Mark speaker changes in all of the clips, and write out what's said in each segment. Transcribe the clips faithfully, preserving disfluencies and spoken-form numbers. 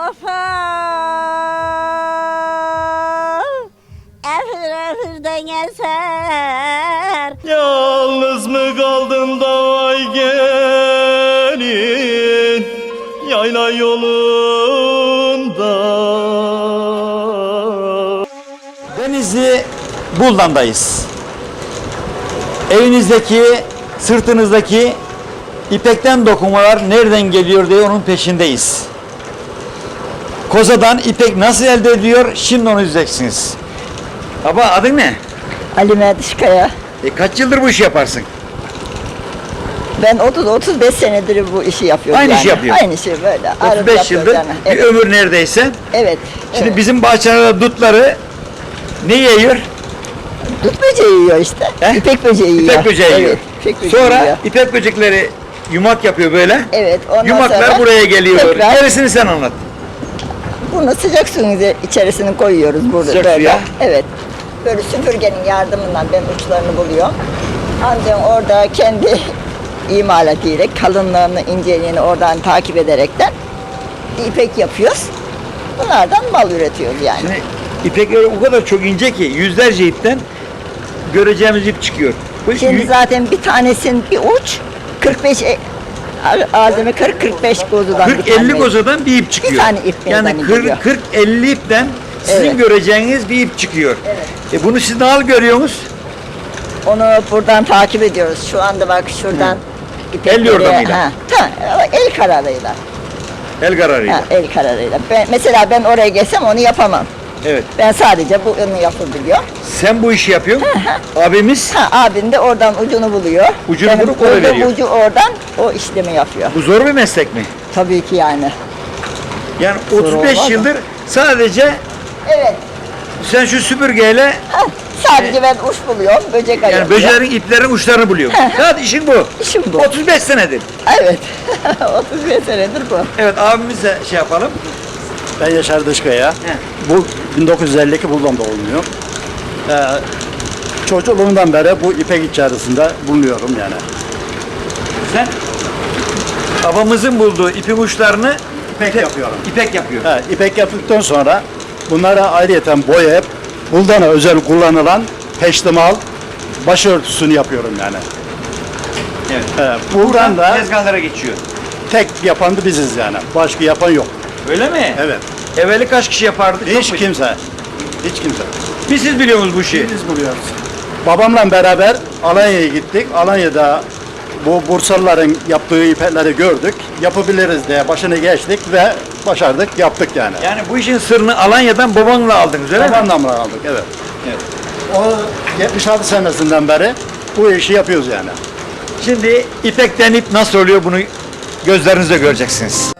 Speaker 1: kafa efir efirden eser.
Speaker 2: Yalnız mı kaldın da vay gelin yayla yolunda.
Speaker 3: Denizli Buldan'dayız. Evinizdeki, sırtınızdaki ipekten dokumalar nereden geliyor diye onun peşindeyiz. Kozadan ipek nasıl elde ediyor? Şimdi onu izleyeceksiniz. Baba adın ne?
Speaker 4: Ali Merdişkaya.
Speaker 3: E, kaç yıldır bu işi yaparsın?
Speaker 4: Ben otuz otuz beş senedir bu işi yapıyorum.
Speaker 3: Aynı
Speaker 4: yani.
Speaker 3: işi yapıyor.
Speaker 4: Aynı şey böyle.
Speaker 3: otuz
Speaker 4: Arada
Speaker 3: beş
Speaker 4: yapıyoruz
Speaker 3: yıldır
Speaker 4: yani.
Speaker 3: bir
Speaker 4: Evet.
Speaker 3: ömür neredeyse.
Speaker 4: Evet.
Speaker 3: Şimdi
Speaker 4: evet.
Speaker 3: bizim bahçelerde dutları ne yiyor?
Speaker 4: Dut böceği yiyor işte.
Speaker 3: He?
Speaker 4: İpek böceği yiyor.
Speaker 3: İpek böceği yiyor.
Speaker 4: Evet, ipek böceği
Speaker 3: Sonra
Speaker 4: yiyor.
Speaker 3: ipek böcekleri yumak yapıyor böyle.
Speaker 4: Evet. Ondan
Speaker 3: Yumaklar
Speaker 4: sonra
Speaker 3: buraya geliyor.
Speaker 4: tekrar
Speaker 3: Gerisini sen anlat.
Speaker 4: bunu sıcak suyun içerisine koyuyoruz burada
Speaker 3: Sıcak
Speaker 4: böyle.
Speaker 3: suya.
Speaker 4: Evet. Böyle süpürgenin yardımından ben uçlarını buluyorum. Ancak orada kendi imalatıyla kalınlığını, inceliğini oradan takip ederekten ipek yapıyoruz. Bunlardan mal üretiyoruz yani.
Speaker 3: Şimdi ipekler o kadar çok ince ki yüzlerce ipten göreceğimiz ip çıkıyor. Bu
Speaker 4: Şimdi
Speaker 3: yü-
Speaker 4: zaten bir tanesinin bir uç kırk beş e, ağzını kırk kırk beş kozudan
Speaker 3: kırk
Speaker 4: bir tane.
Speaker 3: elli kozadan bir ip çıkıyor.
Speaker 4: tane ip
Speaker 3: yani
Speaker 4: meydana geliyor.
Speaker 3: kırk elli ipten sizin
Speaker 4: Evet.
Speaker 3: göreceğiniz bir ip çıkıyor.
Speaker 4: Evet.
Speaker 3: E bunu siz nasıl görüyorsunuz?
Speaker 4: Onu buradan takip ediyoruz. Şu anda bak şuradan ipekleri-
Speaker 3: El yordamıyla.
Speaker 4: Ha, ta, el kararıyla.
Speaker 3: El kararıyla.
Speaker 4: Ha, el kararıyla. Ben, mesela ben oraya gelsem onu yapamam.
Speaker 3: Evet.
Speaker 4: Ben sadece bu onu yapabiliyor.
Speaker 3: Sen bu işi yapıyorsun. Abimiz
Speaker 4: Ha, abin de oradan ucunu buluyor.
Speaker 3: Ucunu
Speaker 4: Benim
Speaker 3: bulup oraya
Speaker 4: koyduğum
Speaker 3: veriyor.
Speaker 4: ucu oradan o işlemi yapıyor.
Speaker 3: bu zor bir meslek mi?
Speaker 4: Tabii ki yani.
Speaker 3: Yani
Speaker 4: Zor
Speaker 3: otuz beş
Speaker 4: olmaz mı?
Speaker 3: yıldır sadece
Speaker 4: Evet.
Speaker 3: sen şu süpürgeyle
Speaker 4: Ha, sadece ben uç buluyorum, böcek arıyorum.
Speaker 3: yani böceğin iplerin uçlarını buluyorsun. Sadece işin bu.
Speaker 4: İşim bu.
Speaker 3: otuz beş senedir.
Speaker 4: Evet. otuz beş senedir bu.
Speaker 3: Evet abimize şey yapalım.
Speaker 5: Ben Yaşar Dışkaya. Bu bin dokuz yüz elli iki Buldan doğumluyum. Ee, çocukluğumdan beri bu ipek içerisinde bulunuyorum yani.
Speaker 3: Sen babamızın bulduğu ipin uçlarını
Speaker 5: İpek yapıyorum.
Speaker 3: ipek yapıyor.
Speaker 5: He, ipek yaptıktan sonra bunlara ayrıyeten boyayıp Buldan'a özel kullanılan peştemal başörtüsünü yapıyorum yani.
Speaker 3: Evet.
Speaker 5: He, buradan da
Speaker 3: tezgahlara geçiyor.
Speaker 5: tek yapan da biziz yani. Başka yapan yok.
Speaker 3: Öyle mi?
Speaker 5: Evet.
Speaker 3: Evveli kaç kişi yapardı? Çok
Speaker 5: Hiç
Speaker 3: mu?
Speaker 5: kimse. Hiç kimse.
Speaker 3: Bir siz biliyorsunuz bu işi.
Speaker 5: Biz buluyoruz. Babamla beraber Alanya'ya gittik. Alanya'da bu Bursalıların yaptığı ipekleri gördük. Yapabiliriz diye başını geçtik ve başardık, yaptık yani.
Speaker 3: Yani bu işin sırrını Alanya'dan babanla aldınız öyle mi?
Speaker 5: Babamla aldık, evet.
Speaker 3: Evet.
Speaker 5: O yetmiş altı senesinden beri bu işi yapıyoruz yani.
Speaker 3: Şimdi ipekten ip nasıl oluyor bunu gözlerinizle göreceksiniz.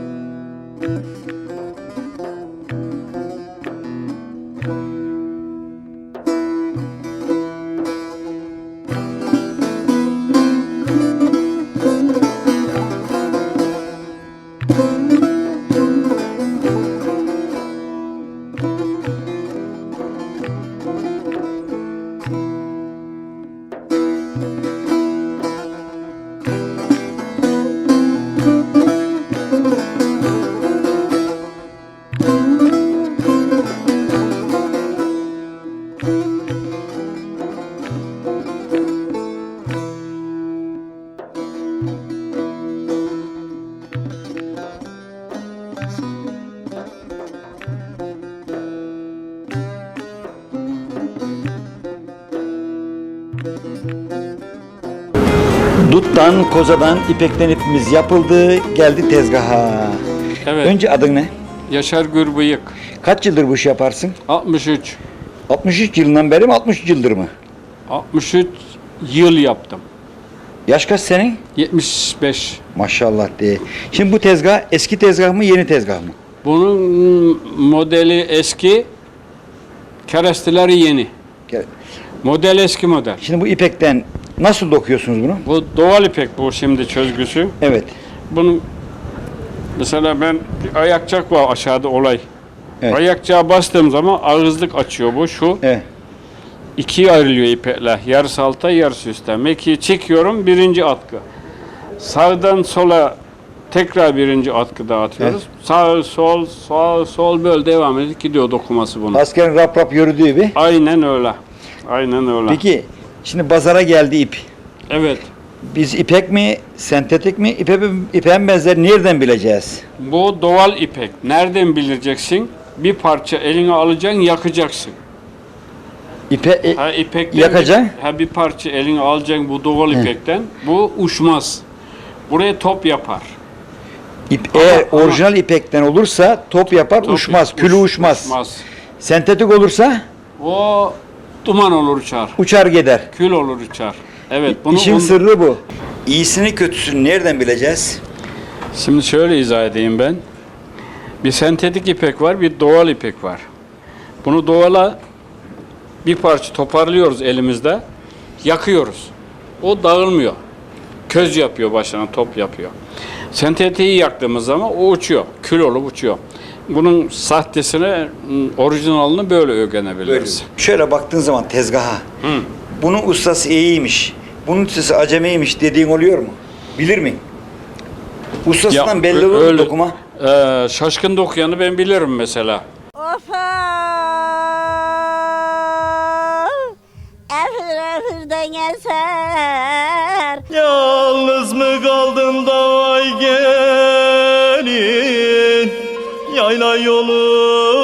Speaker 3: Duttan, kozadan, ipekten ipimiz yapıldı, geldi tezgaha.
Speaker 6: Evet.
Speaker 3: Önce adın ne?
Speaker 6: Yaşar Gürbıyık.
Speaker 3: Kaç yıldır bu işi yaparsın?
Speaker 6: altmış üç.
Speaker 3: altmış üç yılından beri mi, altmış üç yıldır mı?
Speaker 6: altmış üç yıl yaptım.
Speaker 3: Yaş kaç senin?
Speaker 6: yetmiş beş.
Speaker 3: Maşallah diye. Şimdi bu tezgah eski tezgah mı, yeni tezgah mı?
Speaker 6: Bunun modeli eski, keresteleri yeni.
Speaker 3: Gel.
Speaker 6: Model eski model.
Speaker 3: Şimdi bu ipekten nasıl dokuyorsunuz bunu?
Speaker 6: Bu doğal ipek bu şimdi çözgüsü.
Speaker 3: Evet.
Speaker 6: Bunun mesela ben bir ayakçak var aşağıda olay.
Speaker 3: Evet.
Speaker 6: Ayakçağa bastığım zaman ağızlık açıyor bu şu.
Speaker 3: Evet.
Speaker 6: İkiye ayrılıyor ipekler. Yarısı alta, yarısı üstte. Mekiği çekiyorum, birinci atkı. Sağdan sola Tekrar birinci atkıda atıyoruz. Sağ, sol, sağ, sol böyle devam edip gidiyor dokuması bunun.
Speaker 3: Askerin rap rap yürüdüğü gibi.
Speaker 6: Aynen öyle. Aynen öyle.
Speaker 3: Peki şimdi pazara geldi ip.
Speaker 6: Evet.
Speaker 3: Biz ipek mi, sentetik mi, ipe, ipeğin benzeri nereden bileceğiz?
Speaker 6: Bu doğal ipek. Nereden bileceksin? Bir parça eline alacaksın, yakacaksın.
Speaker 3: İpe, e,
Speaker 6: Ha ipekten
Speaker 3: Yakacaksın?
Speaker 6: Bir, ha bir parça eline alacaksın bu doğal ipekten. Bu uçmaz. Buraya top yapar.
Speaker 3: ip,
Speaker 6: Ama-
Speaker 3: eğer
Speaker 6: ama-
Speaker 3: orijinal ipekten olursa top yapar,
Speaker 6: Top
Speaker 3: uçmaz,
Speaker 6: uç-
Speaker 3: külü uçmaz.
Speaker 6: uçmaz.
Speaker 3: Sentetik olursa
Speaker 6: O duman olur uçar.
Speaker 3: uçar gider.
Speaker 6: Kül olur uçar. Evet. Bunu
Speaker 3: İşin
Speaker 6: bunu-
Speaker 3: sırrı bu. İyisini kötüsünü nereden bileceğiz?
Speaker 6: Şimdi şöyle izah edeyim ben. Bir sentetik ipek var, bir doğal ipek var. Bunu doğala bir parça toparlıyoruz elimizde, yakıyoruz. O dağılmıyor. Köz yapıyor başına, top yapıyor. Sentetiği yaktığımız zaman o uçuyor, kül olup uçuyor. Bunun sahtesine, orijinalini böyle öğrenebiliriz.
Speaker 3: Şöyle baktığın zaman tezgaha, bunun ustası iyiymiş, bunun ustası acemiymiş dediğin oluyor mu? Bilir mi? Ustasından belli olur mu dokuma?
Speaker 6: Ee, şaşkın dokuyanı ben bilirim mesela.
Speaker 1: Of efir efirden eser.
Speaker 2: Yalnız mı kaldın da vay gelin, yayla yolu